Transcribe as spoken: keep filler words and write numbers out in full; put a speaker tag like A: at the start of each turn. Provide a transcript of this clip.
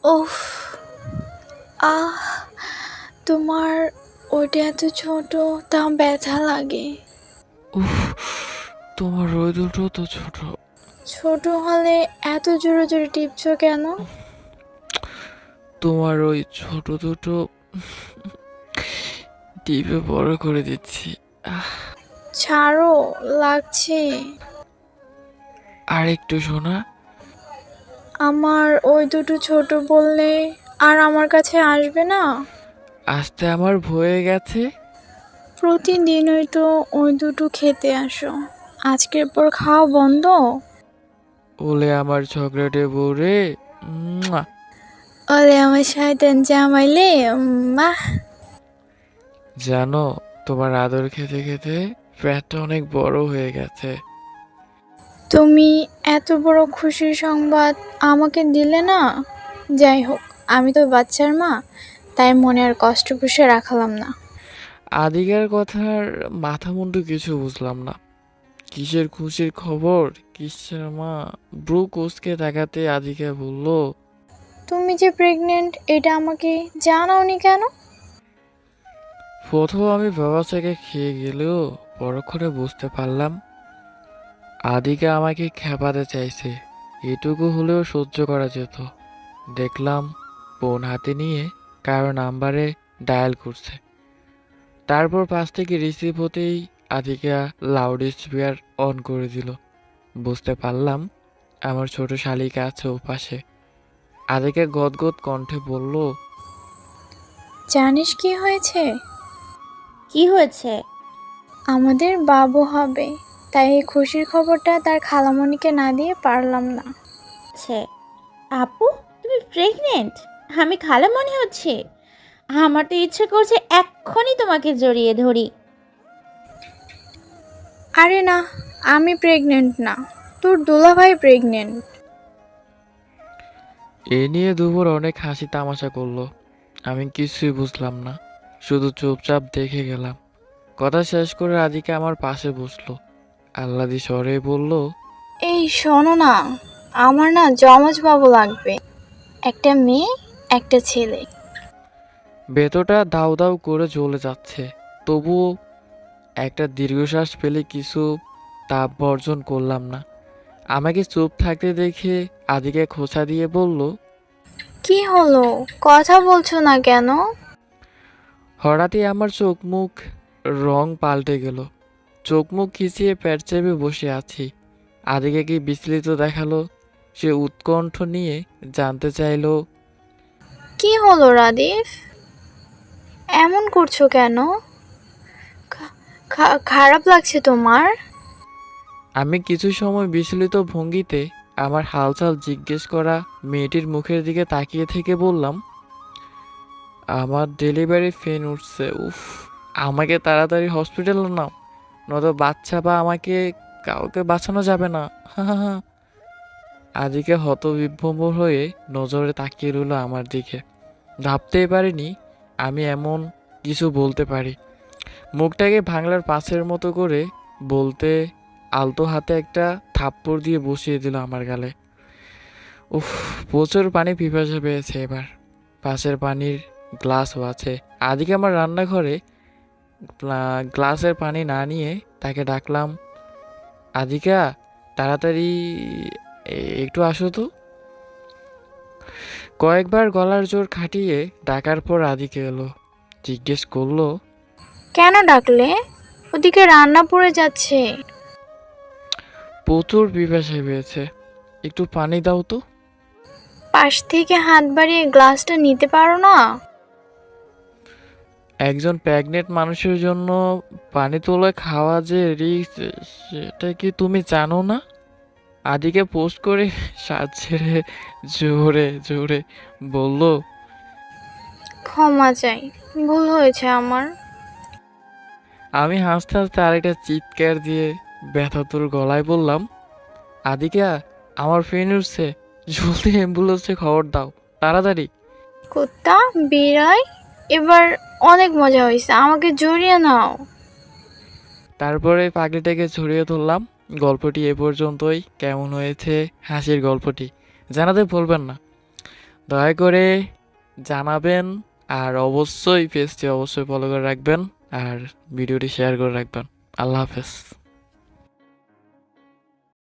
A: উফ! আহ! তোমার ওটা এত ছোট, তাও ব্যথা লাগে।
B: উফ, তোমার ওই দুটো তো ছোট।
A: ছোট হলে এত জোরে জোরে টিপছো কেন?
B: তোমার ওই ছোট দুটো টিপে বড় করে দিচ্ছি। আহ,
A: ছাড়ো, লাগছে।
B: আর একটু শোনা।
A: আমার ওই দুটো ছোট বললে আর আমার কাছে আসবে না?
B: আসতে আমার ভয়ে গেছে।
A: প্রতিদিনই তো ওই দুটো খেতে আসো, আজকের পর খাওয়া বন্ধ?
B: ওলে আমার চকলেটে বউরে। মুয়া।
A: ওলে আমার শয়তান জামাইলে, মাহ!
B: জানো, তোমার আদর খেতে খেতে পেটটা অনেক বড় হয়ে গেছে।
A: তুমি এত বড় খুশির সংবাদ আমাকে দিলে না। যাই হোক, আমি তো বাচ্চার মা, তাই মনে আর কষ্ট পুষে রাখলাম না।
B: আদিকার কথার মাথা মুন্ডু কিছু বুঝলাম না। কিসের খুশির খবর, কিসের মা? ব্রু কোসকে তাকাতে আদিকা বলল,
A: তুমি যে প্রেগনেন্ট এটা আমাকে জানাওনি কেন?
B: প্রথম আমি বাবা থেকে খেয়ে গেলেও পরক্ষণে বুঝতে পারলাম আদিকা আমাকে খেপাতে চাইছে। এটুকু হলেও সহ্য করা যেত। দেখলাম ফোন হাতে নিয়ে কারো নাম্বারে ডায়াল করছে। তারপর পাশ থেকে রিসিভ হতেই আদিকা লাউড স্পিকার অন করে দিল। বুঝতে পারলাম আমার ছোট শালিকা আছে ও পাশে। আদিকা গদগদ কণ্ঠে বলল,
A: জানিস কি হয়েছে?
C: কি হয়েছে?
A: আমাদের বাবু হবে, তাই এই খুশির খবরটা তার খালামণিকে না দিয়ে পারলাম না।
C: আছে আপু, তুমি প্রেগনেন্ট? আমি খালা মনে হচ্ছে। আমার তো ইচ্ছে করছে এক্ষুনি তোমাকে জড়িয়ে ধরি।
A: আরে না, আমি প্রেগনেন্ট না, তোর দুলাভাই প্রেগনেন্ট।
B: এ নিয়ে দুপুর অনেক হাসি তামাশা করলো। আমি কিছুই বুঝলাম না, শুধু চুপচাপ দেখে গেলাম। কথা শেষ করে রাধিকা আমার পাশে বসলো। আহ্লাদি স্বরে বলল,
A: এই শোনো না, আমার না যমজ বাবু লাগবে, একটা মেয়ে একটা ছেলে।
B: ভেতরটা দাউ দাউ করে জ্বলে যাচ্ছে। তবুও একটা দীর্ঘশ্বাস ফেলে কিছু তাপ বর্জন করলাম না। আমাকে চুপ থাকতে দেখে আদিকে খোঁচা দিয়ে বলল,
A: কি হলো, কথা বলছো না কেন?
B: হঠাৎই আমার চোখ মুখ রং পাল্টে গেল। চোখ মুখ খিচিয়ে পেট চেপে বসে আছি। আদিকে কি বিচলিত দেখালো। সে উৎকণ্ঠ নিয়ে জানতে চাইলো,
A: কি হলো রাদিফ, এমন করছো কেন? খা- খা- খারাপ লাগছে তোমার?
B: আমি কিছু সময় বিচলিত ভঙ্গিতে আমার হালচাল জিজ্ঞেস করা মেয়েটির মুখের দিকে তাকিয়ে থেকে বললাম, আমার ডেলিভারি পেন উঠছে। উফ, আমাকে তাড়াতাড়ি হসপিটালে নাও, নয়তো বাচ্চা বা আমাকে কাউকে বাঁচানো যাবে না। আদিকে হতবিভ্রম হয়ে নজরে তাকিয়ে রইল আমার দিকে। ভাবতেই পারিনি আমি এমন কিছু বলতে পারি। মুখটাকে ভাঙলার পাঁচের মতো করে বলতে আলতো হাতে একটা থাপ্পড় দিয়ে বসিয়ে দিল আমার গালে। উফ, প্রচুর পানি পিপাসা পেয়েছে এবার। পাশের পানির গ্লাসও আছে। আদিকে আমার রান্নাঘরে গ্লা- গ্লাসের পানি না নিয়ে তাকে ডাকলাম, আদিকা, তাড়াতাড়ি এ- একটু আসো তো। কয়েকবার গলার জোর খাটিয়ে ডাকার পর আদিকে এলো। জিজ্ঞেস করলো,
A: কেন ডাকলে? ওদিকে রান্না পড়ে যাচ্ছে।
B: প্রচুর পিপাসা পেয়েছে, একটু পানি দাও তো।
A: পাশ থেকে হাত বাড়িয়ে গ্লাসটা নিতে পারো না?
B: একজন প্রেগনেন্ট মানুষের জন্য পানি তোলা খাওয়া যে রিস্ক, সেটা কি তুমি জানো না? আদিকে পোস্ট করে শ্বাস ছেড়ে জোরে জোরে বলল,
A: ক্ষমা চাই, ভুল হয়েছে আমার।
B: আমি হাসতে হাসতে আরেকটা চিৎকার দিয়ে ব্যথাতুর গলায় বললাম, আদিকা, আমার ফ্রেন্ড উঠছে, জলদি অ্যাম্বুলেন্সে খবর দাও, তাড়াতাড়ি।
A: কুত্তা, বিড়াই, এবার অনেক মজা হয়েছে, আমাকে জড়িয়ে নাও।
B: তারপরে পাগলিটাকে ছড়িয়ে ধরলাম। গল্পটি এ পর্যন্তই। কেমন হয়েছে হাসির গল্পটি জানাতে ভুলবেন না। দয়া করে জানাবেন, আর অবশ্যই পেজটি অবশ্যই ফলো করে রাখবেন, আর ভিডিওটি শেয়ার করে রাখবেন। আল্লাহ হাফেজ।